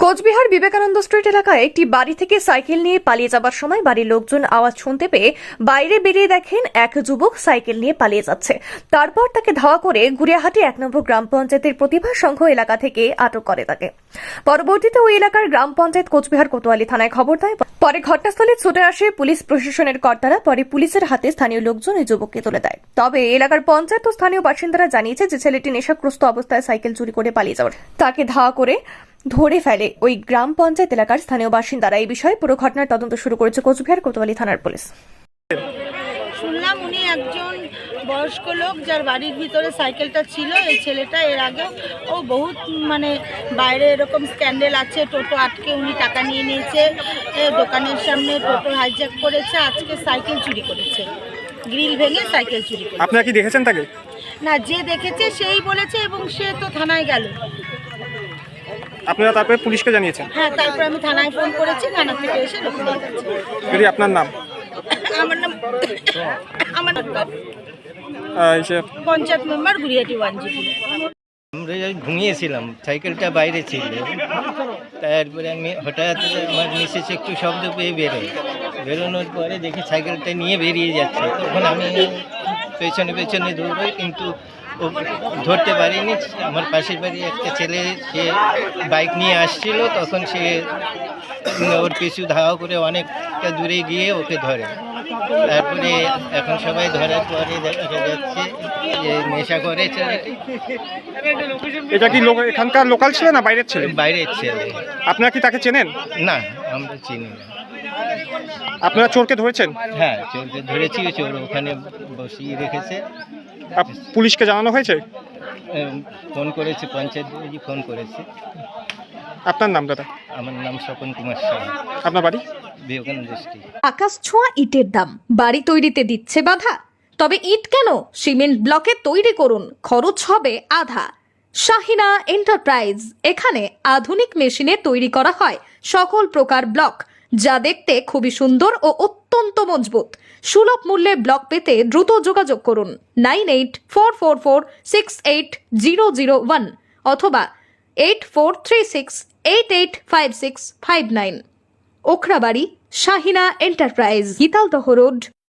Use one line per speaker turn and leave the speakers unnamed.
Cooch Behar Vivekananda street এলাকায় একটি বাড়ি থেকে সাইকেল নিয়ে পালিয়ে যাবার সময় বাড়ির লোকজন আওয়াজ শুনতে পেয়ে বাইরে বেরিয়ে দেখেন এক যুবক সাইকেল নিয়ে পালিয়ে যাচ্ছে। তারপর তাকে ধাওয়া করে গুড়িয়াহাটি 1 নম্বর গ্রাম পঞ্চায়েতের প্রতিভা সংঘ এলাকা থেকে আটক করে তাকে। পরবর্তীতে ওই এলাকার গ্রাম পঞ্চায়েত কোচবিহার কোতোয়ালি থানায় খবর দেয়। পরে ঘটনাস্থলে ছুটে আসে পুলিশ প্রশাসনের কর্তারা। পরে পুলিশের হাতে স্থানীয় লোকজন ওই যুবককে তুলে দেয়। তবে এলাকার পঞ্চায়েত ও স্থানীয় বাসিন্দারা জানিয়েছে যে ছেলেটি নেশাগ্রস্ত অবস্থায় সাইকেল চুরি করে পালিয়ে যাওয়ার তাকে ধাওয়া করে ধরে ফেলে ওই গ্রাম পঞ্চায়েত এলাকার স্থানীয় বাসিন্দারা। এই বিষয়ে পুরো ঘটনার তদন্ত শুরু করেছে কোচবিহার কোতোয়ালি থানার পুলিশ।
শুনলাম উনি একজন বয়স্ক লোক যার বাড়ির ভিতরে সাইকেলটা ছিল। এই ছেলেটা এর আগে ও বহুত বাইরে এরকম স্ক্যান্ডেল আছে, টোটো আটকে উনি টাকা নিয়ে নিয়েছে, দোকানের সামনে টোটো হাইজ্যাক করেছে, আজকে সাইকেল চুরি করেছে, গ্রিল ভেঙে সাইকেল চুরি করেছে।
আপনারা কি দেখেছেন তাকে?
না, যে দেখেছে সেই বলেছে এবং সে তো থানায় গেল।
আপনারা তারপরে পুলিশকে জানিয়েছেন?
হ্যাঁ, তারপর আমি থানায় ফোন করেছি, থানা থেকে এসে লোক নিয়ে গেছে।
যদি আপনার নাম?
আমার নাম
এসে
পঞ্চায়েত মেম্বার গুড়িয়াহাটি 1 জিপি।
আমরা ঘুমিয়েছিলাম, সাইকেলটা বাইরে ছিল। তারপরে আমি হঠাৎ আমার মিসেস একটু শব্দ পেয়ে বেরোনোর পরে দেখি সাইকেলটা নিয়ে বেরিয়ে যাচ্ছে। তখন আমি পেছনে পেছনে দৌড়ই, কিন্তু ও ধরতে পারিনি। আমার পাশের বাড়ি একটা ছেলে, সে বাইক নিয়ে আসছিল, তখন সে ওর পিছু ধাওয়া করে অনেকটা দূরে গিয়ে ওকে ধরে। তারপরে এখন সবাই ধরার পরে দেখা যাচ্ছে যে নেশা করে ছেলেটি।
এটা কি এখানকার লোকাল ছিল না বাইরের ছেলে?
বাইরের ছেলে।
আপনারা কি তাকে চেনেন?
না, আমরা চিনি না।
আপনারা চোরকে ধরেছেন?
হ্যাঁ, চোরকে ধরেছি, চোর ওখানে বসিয়ে রেখেছে।
পুলিশকে জানানো হয়েছে?
ফোন করেছে, পঞ্চায়েত ফোন করেছে।
আপনার নাম দাদা?
আমার নাম স্বপন কুমার সাহা।
আপনার বাড়ি?
বিবেকানন্দ স্ট্রিট।
আকাশ ছোঁয়া ইটের দাম বাড়ি তৈরিতে দিচ্ছে বাধা? তবে ইট কেন, সিমেন্ট ব্লকে তৈরি করুন, খরচ হবে আধা। শাহিনা এন্টারপ্রাইজ, এখানে আধুনিক মেশিনে তৈরি করা হয় সকল প্রকার ব্লক, যা দেখতে খুবই সুন্দর ও অত্যন্ত মজবুত। সুলভ মূল্যে ব্লক পেতে দ্রুত যোগাযোগ করুন 9844468001 অথবা 8436885659। Okhrabari, Shahina enterprise, Gitaldaha road,